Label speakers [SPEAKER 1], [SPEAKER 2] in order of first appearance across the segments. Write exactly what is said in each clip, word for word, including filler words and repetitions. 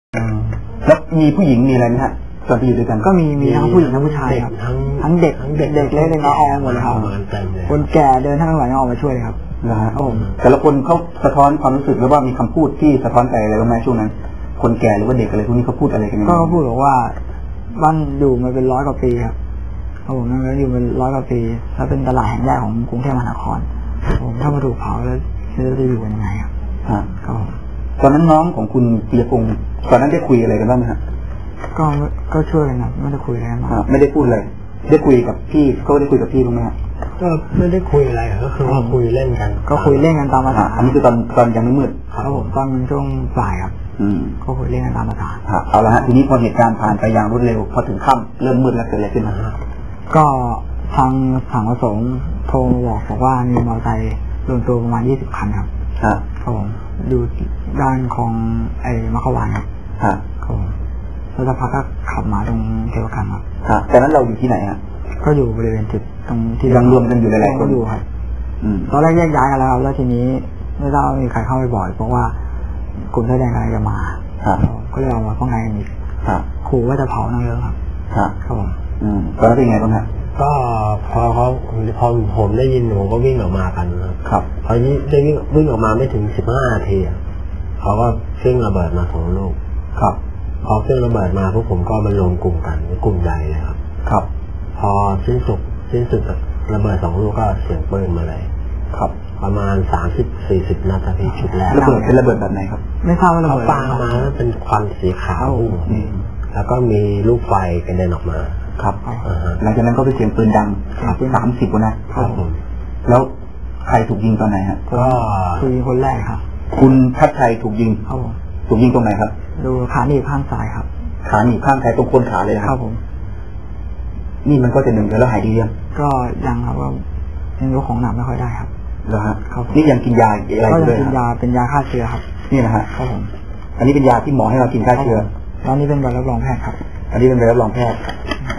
[SPEAKER 1] แล้วมีผู้หญิงมีอะไรไหมฮะตอนที่อยู่ด้วยกัน
[SPEAKER 2] ก็มีมีทั้งผู้หญิงทั้งผู้ชายครับทั้งเด็กเด็กเด็กเล็กเด็กน้อยออกหมดเลยครับคนแก่เดินทั้งหลายออกมาช่วยครับ
[SPEAKER 1] นะฮะแต่ละคนเขาสะท้อนความรู้สึกหรือว่ามีคำพูดที่สะท้อนใจอะไรบ้างไหมช่วงนั้นคนแก่หรือว่าเด็กอะไรพวกนี้เขาพูดอะไรกัน
[SPEAKER 2] ก็เขาพูดบอกว่าบ้านอยู่มาเป็นร้อยกว่าปีครับผมนั่นก็อยู่เป็นร้อยกว่าปีถ้าเป็นตลาดแห่งแรกของกรุงเทพมหานครผมถ้ามาถูกเผาแล้วจะอยู่ยังไงครับก็
[SPEAKER 1] ตอนนั้นน้องของคุณปียพงศ์ตอนนั้นได้คุยอะไรกันบ้างไหมฮะ
[SPEAKER 2] ก็ก็ช่วยกันครับไม่ได้คุยอะไรกัน
[SPEAKER 1] ไม่ได้พูดเลยได้คุยกับพี่เขาได้คุยกับพี่บ้างไหมฮะ
[SPEAKER 3] ก็ไม่ได้คุยอะไรก็คือว่าคุยเล่นกัน
[SPEAKER 2] ก็คุยเล่นกันตามภาษา
[SPEAKER 1] อันนี้คือตอนตอนยังไม่มืด
[SPEAKER 2] ครับผมตอนมันช่วงบ่ายครับอืมก็คุยเล่นกันตามภาษา
[SPEAKER 1] เอาละฮะทีนี้พอเหตุการณ์ผ่านไปอย่างรวดเร็วพอถึงค่ำเริ่มมืดแล้วเกิดอะไรขึ้นฮะ
[SPEAKER 2] ก็ทางสังประสงค์โทรมาบอกบอกว่ามีมอเตอร์ไซค์รวมตัวประมาณยี่สิบคันครับครับผมอยู่ด้านของไอ้มะขวานครับครับผมแล้วสักพักก็ขับมาตรงเทวกันครับ
[SPEAKER 1] ครับแต่นั้นเราอยู่ที่ไหนฮะ
[SPEAKER 2] ก็อยู่บริเวณจุดตรงที่
[SPEAKER 1] ยังรวมกันอยู่หลายๆคน
[SPEAKER 2] อยู่ครับตอนแรกแยกย้ายกันแล้วแล้วทีนี้ไม่ทราบมีใครเข้าไปบ่อยเพราะว่ากลุ่มเสื้อแดงกำลังจะมาก็เลยเอามาป้องกันกันอีกขู่ว่าจะเผานั่งเยอะครับครับผม
[SPEAKER 1] ตอนนั้นเป็นไงบ้างฮะ
[SPEAKER 3] ก็พอเขาพอผมได้ยินผมก็วิ่งออกมากันครับพอนี้ได้วิ่งวิ่งออกมาไม่ถึงสิบห้านาทีเขาก็เฟิ่งระเบิดมาสองลูกครับพอเฟิ่งระเบิดมาพวกผมก็มารวมกลุ่มกันกลุ่มใหญ่เลยครับครับพอสิ้นสุดสิ้นสุดระเบิดสองลูกก็เสียงปืนมาเลยครับประมาณสามสิบสี่สิบนัดที่ชุดแรก
[SPEAKER 1] ระเบิดเป็นระเบิดแบบไหนครับ
[SPEAKER 2] ไม่ทราบว่าระเบิด
[SPEAKER 3] ปามาแล้วเป็นควันสีขาวแล้วก็มีลูกไฟกระเด็นออกมา
[SPEAKER 1] ครับหลังจากนั้นก็เป็นเสียงปืนดังสามสิบนัดครับผมแล้วใครถูกยิงตอนไหนฮะ
[SPEAKER 2] ก็คือคนแรกครับ
[SPEAKER 1] คุณทัศชัยถูกยิงถูกยิงตรงไหนครับ
[SPEAKER 2] ดูขาหนีบข้างซ้ายครับ
[SPEAKER 1] ขาหนีบข้างซ้ายตรงโคนขาเลยครับผมนี่มันก็จะหนึ่งแล้วหายดียัง
[SPEAKER 2] ก็ยังครับว่ายังยกของหนักไม่ค่อยได้ครับ
[SPEAKER 1] แล้วฮะนี่ยังกินยาอะไร
[SPEAKER 2] ก็ยังกินยาเป็นยาฆ่าเชื้อครับ
[SPEAKER 1] นี่นะฮะครับผมอันนี้เป็นยาที่หมอให้เรากินฆ่าเชื้อ
[SPEAKER 2] ตอนนี้เป็นใบรับรองแพทย์ครับ
[SPEAKER 1] อันนี้เป็นใบรับรองแพทย์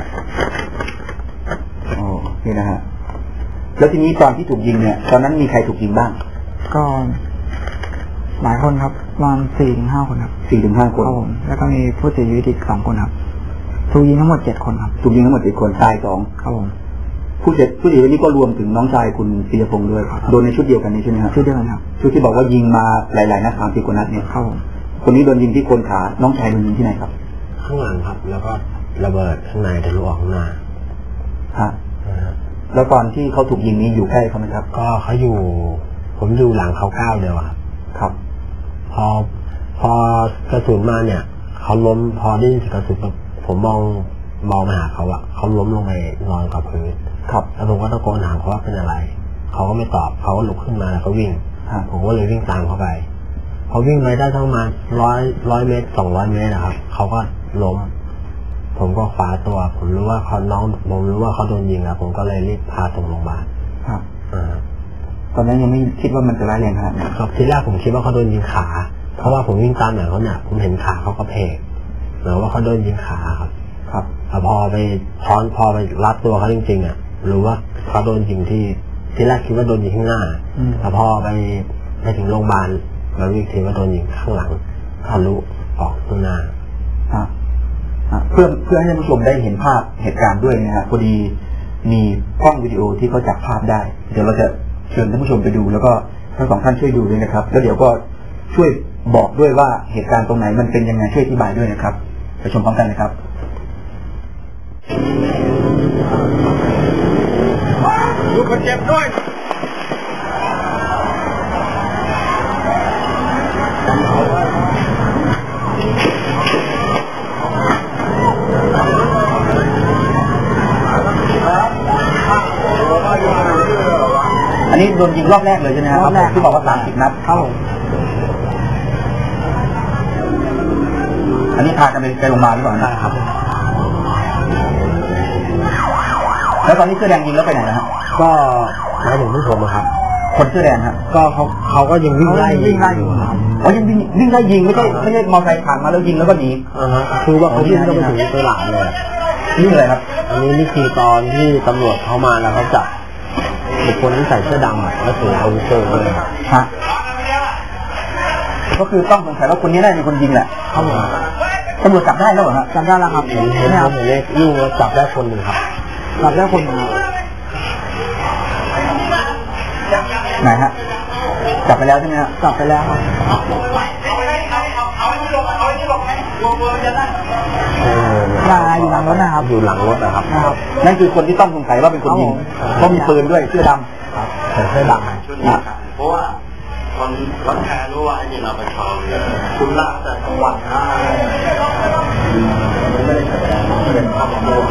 [SPEAKER 1] อ๋อนี่นะฮะแล้วทีนี้ตอนที่ถูกยิงเนี่ยตอนนั้นมีใครถูกยิงบ้าง
[SPEAKER 2] ก็หลายคนครับประมาณสี่ถึงห้าคนครับ
[SPEAKER 1] สี่ถึงห้าคน
[SPEAKER 2] ครับผมแล้วก็มีผู้เสียชีวิตอีกสองคนครับถูกยิงทั้งหมดเจ็ดคนครับ
[SPEAKER 1] ถูกยิงทั้งหมดเจ็ดคนตายสอง
[SPEAKER 2] ครับผม
[SPEAKER 1] ผู้เสียผู้เสียชีวิตนี้ก็รวมถึงน้องชายคุณปียพงศ์ด้วยโดนในชุดเดียวกันนี้ใช่ไหมครับ
[SPEAKER 2] ชุดเดียวกันครับ
[SPEAKER 1] ชุดที่บอกว่ายิงมาหลายๆนัดสามสิบกว่านัดเนี่ย
[SPEAKER 2] ครับผม
[SPEAKER 1] คนนี้โดนยิงที่โคนขาน้องชายโดนยิงที่ไหนครับ
[SPEAKER 3] ข้างหลังครับแล้วก็ระเบิดข้างในทะลุออกข้างหน้า
[SPEAKER 1] ฮะแล้วตอนที่เขาถูกยิงนี้อยู่ใกล้เขาไหมครับ
[SPEAKER 3] ก็เขาอยู่ผมอยู่หลังเขาก้าวเดียวครับ
[SPEAKER 1] ครับ
[SPEAKER 3] พอพอกระสุนมาเนี่ยเขาล้มพอได้ยินกระสุนผมมองมองมาหาเขาอะเขาล้มลงไปนอนกับพื้นครับแล้วผมก็ตะโกนถามเขาว่าเป็นอะไรเขาก็ไม่ตอบเขาก็ลุกขึ้นมาแล้วก็วิ่งผมก็เลยวิ่งตามเขาไปพอวิ่งไปได้ทั้งประมาณร้อยร้อยเมตรสองร้อยเมตรนะครับเขาก็ล้มผมก็คว้าตัวผมรู้ว่าเขาน้องผมรู้ว่าเขาโดนยิงแล้วผมก็เลยรีบพาส่งโรงพยาบาล
[SPEAKER 1] ครับอ่าตอนนั้นยังไม่คิดว่ามันจะร้ายแรงขนาดนั้น
[SPEAKER 3] ครับทีแรกผมคิดว่าเขาโดนยิงขาเพราะว่าผมวิ่งตามหลังเขาเนี่ยผมเห็นขาเขาก็เพกหรือว่าเขาโดนยิงขาครับครับพอไปพอพอไปรัดตัวเขาจริงๆอ่ะรู้ว่าเขาโดนยิงที่ทีแรกคิดว่าโดนยิงข้างหน้าแต่พอไปไปถึงโรงพยาบาลเราวิเคราะห์ว่าโดนยิงข้างหลังทะลุออกข้างหน้า
[SPEAKER 1] เพื่อเพื่อให้ท่านผู้ชมได้เห็นภาพเหตุการณ์ด้วยนะฮะพอดีมีกล้องวิดีโอที่เขาจับภาพได้เดี๋ยวเราจะเชิญท่านผู้ชมไปดูแล้วก็ทั้งสองท่านช่วยดูด้วยนะครับแล้วเดี๋ยวก็ช่วยบอกด้วยว่าเหตุการณ์ตรงไหนมันเป็นยังไงช่วยอธิบายด้วยนะครับไปชมพร้อมกันนะครับ
[SPEAKER 4] ดูคนเจ็บด้วย
[SPEAKER 1] อันนี้โดนยิงรอบแรกเลยใช่ไหมครับที่บอกว่าสามสิบนัด
[SPEAKER 2] ครับผม
[SPEAKER 1] อันนี้พากันไปไปโรงพยาบาลหรือเปล่า
[SPEAKER 3] ครับ
[SPEAKER 1] แล้วตอนนี้เสื้อแดงยิงแล้วไปไหนนะฮะ
[SPEAKER 3] ก็หมายถึงผู้ชมครับ
[SPEAKER 1] คนเสื้อแดงฮะ
[SPEAKER 3] ก็เขาเขาก็ยังวิ่งไล่
[SPEAKER 2] วิ่งไล่อยู่ครับ
[SPEAKER 1] อ๋อยังวิ่งวิ่งไล่ยิงไม่ใช่ไม่ใช่มอเตอร์ไซค์ผ่านมาแล้วยิงแล้วก็หนี
[SPEAKER 3] อ่าฮะคือว่าเขาวิ่งก็ไปถึงตลาดเลย
[SPEAKER 1] นี่อะไรครับ
[SPEAKER 3] อันนี้นี่คือตอนที่ตำรวจเข้ามาแล้วเขาจับบุคคลที่ใส่เสื้อดำอ่ะแล้วถืออาวุธเลย
[SPEAKER 1] ฮะก็คือต้องสงสัยว่าคนนี้น่าจะเป็นคนยิงแหละ
[SPEAKER 2] ครับผม
[SPEAKER 1] ตำรวจจับได้แล้วเหรอฮะ
[SPEAKER 2] จับได้แล้วครับ
[SPEAKER 3] เห็นเห็น
[SPEAKER 2] เนี่ย
[SPEAKER 3] ผมเล็กยิ่งแล้วจับได้คนหนึ่งครับ
[SPEAKER 2] จับได้คนหนึ่งครับ
[SPEAKER 1] ไหนฮะจับไปแล้วใช่ไหมฮะ
[SPEAKER 2] จับไปแล้วครับ
[SPEAKER 3] เออ
[SPEAKER 2] มาอยู่หลังรถนะครับ
[SPEAKER 3] อยู่หลังรถนะครับ
[SPEAKER 2] นะครับ
[SPEAKER 1] นั่นคือคนที่ต้องสงสัยว่าเป็นคนยิงเพราะมีปืนด้วยเสื้อด
[SPEAKER 3] ครับแต่เสื้อดำ
[SPEAKER 4] ชุดนี้ครับเพราะว่าคนคนแทนรู้ว่าไอ้นี่เราไปชอบเลยคุณล่าแต่กลางวันนะไม่ได้แสดงเป็นครอบครัว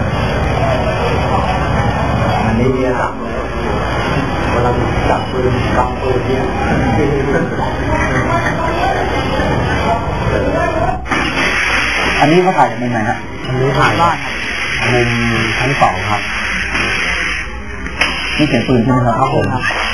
[SPEAKER 4] อันนี้เนี่ยครับเวลาจับปืนกำปืนเนี่ย
[SPEAKER 1] ำอันนี้เขาถ่ายจากมุมไหนฮะ
[SPEAKER 3] อันนี้ถ่าย
[SPEAKER 2] บ้านครับ
[SPEAKER 3] มุมชั้นสองครับ
[SPEAKER 1] นี่เสียงปืนใช่ไหมครับ
[SPEAKER 3] ครับผม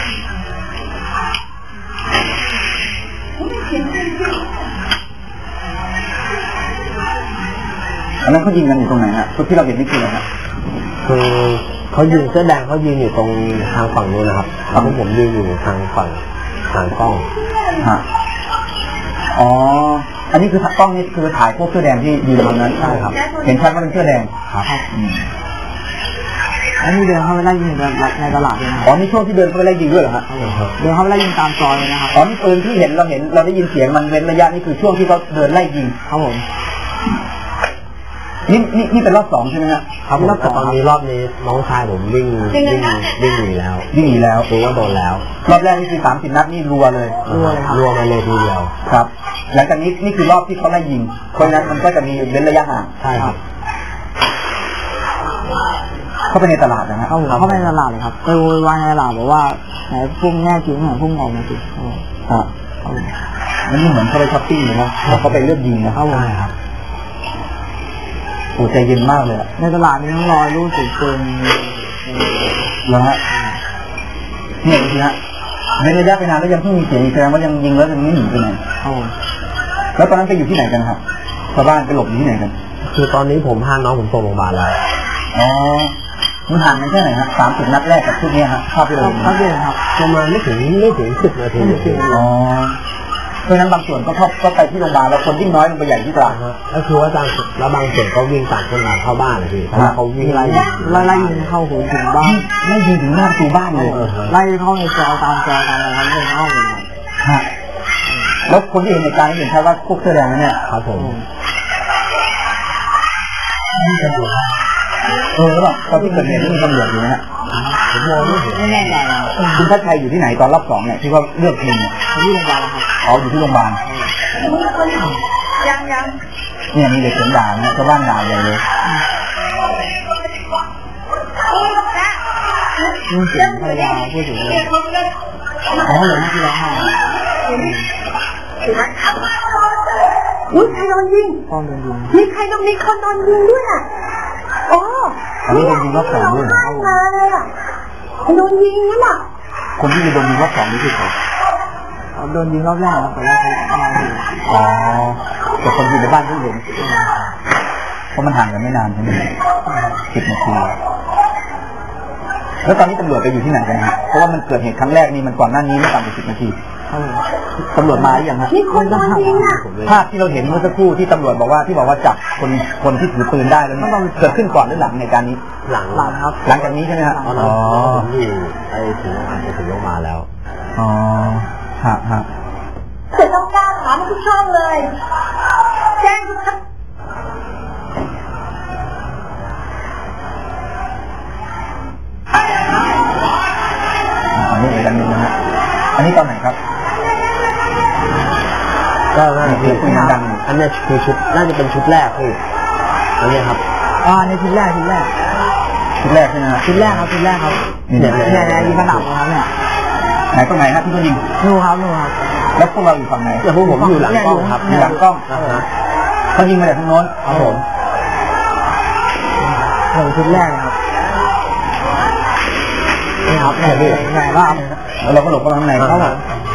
[SPEAKER 1] อันนั้นเขายิงกันอยู่ตรงไหนฮะชุดที่เราเห็นนี่คืออะไรฮะ
[SPEAKER 3] คือเขายืนเสื้อแดงเขายืนอยู่ตรงทางฝั่งนู้นนะครับแล้วพวกผมยืนอยู่ทางฝั่งทางกล้อง
[SPEAKER 1] ฮะอ๋ออันนี้คือกล้องนี่คือถ่ายพวกเสื้อแดงที่ยืนตรงนั้น
[SPEAKER 3] ใช่ครับ
[SPEAKER 1] เห็นชัดว่าเป็นเสื้อแดง
[SPEAKER 3] ครับ
[SPEAKER 1] อืม
[SPEAKER 2] แล้วนี่เดินเข้าไปไล่ยิงในตลาดเลยนะ
[SPEAKER 1] อ๋อนี่ช่วงที่เดินเข้าไปไล่ยิงด้วยเหรอฮะ
[SPEAKER 2] เดินเข้าไปไล่ยิงตามซอยเลยนะครับ
[SPEAKER 1] อ๋อนี่ปืนที่เห็นเราเห็นเราได้ยินเสียงมันเว้นระยะนี่คือช่วงที่เขาเดินไล่ยิง
[SPEAKER 2] ครับผม
[SPEAKER 1] นี่นี่นี่เป็นรอบสองใช่ไหมฮะ
[SPEAKER 3] ครับผมแต่ตอนนี้รอบนี้น้องชายผมวิ่งวิ่งวิ่งหนีแล้ว
[SPEAKER 1] วิ่งหนีแล้ว
[SPEAKER 3] รู้ว่าโดนแล้ว
[SPEAKER 1] รอบแรกนี่คือสามสิบนัดนี่รัวเลย
[SPEAKER 2] รัวเลยครับ
[SPEAKER 3] รัวมาเลยทีเดียว
[SPEAKER 1] ครับ หลังจากนี้นี่คือรอบที่เขาไล่ยิงเพราะฉะนั้นมันก็จะมีเว้นระยะห่าง
[SPEAKER 3] ใช่ครับ
[SPEAKER 1] เข้าไปในตลาดนะฮะ
[SPEAKER 2] เข้าผมเข้าไปในตลาดเลยครับไปโวยวายในตลาดบอกว่าไหนพุ่งแน่จริงไหนพุ่งออกมาสิครับผม
[SPEAKER 1] ครับ
[SPEAKER 2] ครับผม
[SPEAKER 1] มันนี่เหมือนเขาไปช้อปปิ้งเลยนะแล้วเขาไปเลือกยิงนะ
[SPEAKER 2] ครับผม
[SPEAKER 3] ใช่ครับ
[SPEAKER 1] โอ้ใจเย็นมากเลยอะ
[SPEAKER 2] ในตลาดนี้ต้องรอยรู้สึกเกิน
[SPEAKER 1] แล้วฮะเนี่ยดูสิฮะเว้นระยะไปนานแล้วยังเพิ่งมีเสียงอีกแสดงว่ายังยิงแล้วยังไม่หนีไปไหน
[SPEAKER 2] ครับผม
[SPEAKER 1] แล้วตอนนั้นไปอยู่ที่ไหนกันครับชาวบ้านไปหลบอยู่ที่ไหนกัน
[SPEAKER 3] คือตอนนี้ผมพาน้องผมส่งโรงพยาบาลแล้ว
[SPEAKER 1] อ๋อมันห่างกันแค่ไหนฮะสามสิบนัดแรกกับชุดนี้ฮะภาพที่เรา
[SPEAKER 2] ครับ
[SPEAKER 1] เห็น
[SPEAKER 2] ครับเด่นครับ
[SPEAKER 3] ประมาณไม่ถึงไม่ถึงสิบนาที
[SPEAKER 2] ไม่ถึง
[SPEAKER 1] อ๋อเพราะฉะนั้นบางส่วนก็เข้าก็ไปที่โรงพยาบาลแล้วคนยิ่งน้อยลงไปใหญ่ที่ตลาด
[SPEAKER 3] ฮะก็คือว่าบางแล้วบางส่วนก็วิ่งต่างคนต่างเข้าบ้านเลยพี่เพราะว่าเขาวิ่งไล่
[SPEAKER 2] ไล่ไล่ยิงเข้าหูถึงบ้าน
[SPEAKER 1] ไล่ยิงถึงหน้าประตูบ้านเลย
[SPEAKER 2] ไล่เข้าในซอยตามซอยตามอะไรครับเดินเข้าเลยครับ
[SPEAKER 1] ฮะแล้วคนที่เห็นเหตุการณ์เห็นแค่ว่าพวกเสื้อแดงนั่นเนี่ย
[SPEAKER 3] ครับผม
[SPEAKER 1] เออแล้วแบบตอนที่เกิดเหตุนี่มีตำรวจอยู่นะฮะ
[SPEAKER 3] ผมมองไม่เห็น
[SPEAKER 2] ไม่แน่ใจนะ
[SPEAKER 1] คุณทัชชัยอยู่ที่ไหนตอนรอบสองเนี่ยที่เขาเลือกยิงเนี่ย
[SPEAKER 2] ที่โรงพยาบาลนะครับ
[SPEAKER 1] เขาอยู่ที่โรงพยาบาล
[SPEAKER 2] ยังยัง
[SPEAKER 1] เนี่ยมีเด็กเสียงด่านะชาวบ้านด่าใหญ่เลย
[SPEAKER 2] มีเสียงภรรยาพูดถึงเลย
[SPEAKER 1] อ๋อเหรอฮะที่ร้องไห้
[SPEAKER 5] อุ้ยใครโดนยิง
[SPEAKER 2] ป้อมโดนยิง
[SPEAKER 5] มีใครโดนมีคนโดนยิงด้วยอ่ะโอ้
[SPEAKER 1] อันนี้โดนยิงรอบสองด้วยเหรอ
[SPEAKER 5] ร้องไห้มาเลยอ่ะโดนยิงนั่นอ่ะ
[SPEAKER 1] คนที่โดนยิงรอบสองนี่คือใคร
[SPEAKER 2] โดนยิงรอบแรกครับแต่ว่าเขามาอยู่
[SPEAKER 1] อ๋อแต่คนอยู่ในบ้านเพิ่งเห็นเพราะมันห่างกันไม่นานใช่ไหมสิบนาทีแล้วตอนนี้ตำรวจไปอยู่ที่ไหนกันฮะเพราะว่ามันเกิดเหตุครั้งแรกนี่มันก่อนหน้านี้ไม่ต่ำกว่าสิบนาที
[SPEAKER 2] ครับผม
[SPEAKER 1] ตำรวจมาหรือยังฮะ
[SPEAKER 5] มีคนโดนยิงอ่ะ
[SPEAKER 1] ภาพที่เราเห็นเมื่อสักครู่ที่ตำรวจบอกว่าที่บอกว่าจับคนคนที่ถือปืนได้แล้วเนี่ยเกิดขึ้นก่อนหรือหลังในการนี้
[SPEAKER 3] หลัง
[SPEAKER 2] หลังครับ
[SPEAKER 1] หลังจากนี้ใช่ไหมฮะ
[SPEAKER 3] ตอนนั้นผมอยู่ไอ้ถึงโรงพยาบาลไปถึงโรงพยาบาลแล้ว
[SPEAKER 1] อ๋อฮะฮะ
[SPEAKER 5] เสร็จต้องกล้าถามทุกช่องเลย แจ้งทุกท่าน
[SPEAKER 1] อันนี้อีกอันหนึงนะฮะอันนี้ตอนไหนครับ
[SPEAKER 3] ก็น่าจะ
[SPEAKER 1] เสียงปืนดัง
[SPEAKER 3] อันนี้คือชุดน่าจะเป็นชุดแรกพี่อันนี้ครับ
[SPEAKER 2] อ่าในชุดแรกชุดแรก
[SPEAKER 1] ชุดแรกใช่ไหมฮะ
[SPEAKER 2] ชุดแรกครับชุดแรกครับ
[SPEAKER 1] นี่
[SPEAKER 2] เนี่ย
[SPEAKER 1] ไหน
[SPEAKER 2] เนี่ยเนี่ยยิงกระหน่ำนะครับเนี่ย
[SPEAKER 1] ไหนตรงไหนฮะที่เขายิง
[SPEAKER 2] นู่นครับนู่นครับ
[SPEAKER 1] แล้วพวกเราอยู่ฝั่งไหน
[SPEAKER 3] แต่พวกผมอยู่หลังกล้องครับ
[SPEAKER 1] อยู่หลังกล้อง
[SPEAKER 3] นะฮะ
[SPEAKER 1] เขายิงมาจากทางโน้น
[SPEAKER 3] ครับผม
[SPEAKER 2] เนี่ยชุดแรกเลยครับนี่ครับเนี่ยเนี่ยเนี่ยครับ
[SPEAKER 1] แล้วเราก็หลบเข้ามาข้างใน
[SPEAKER 3] ครับผม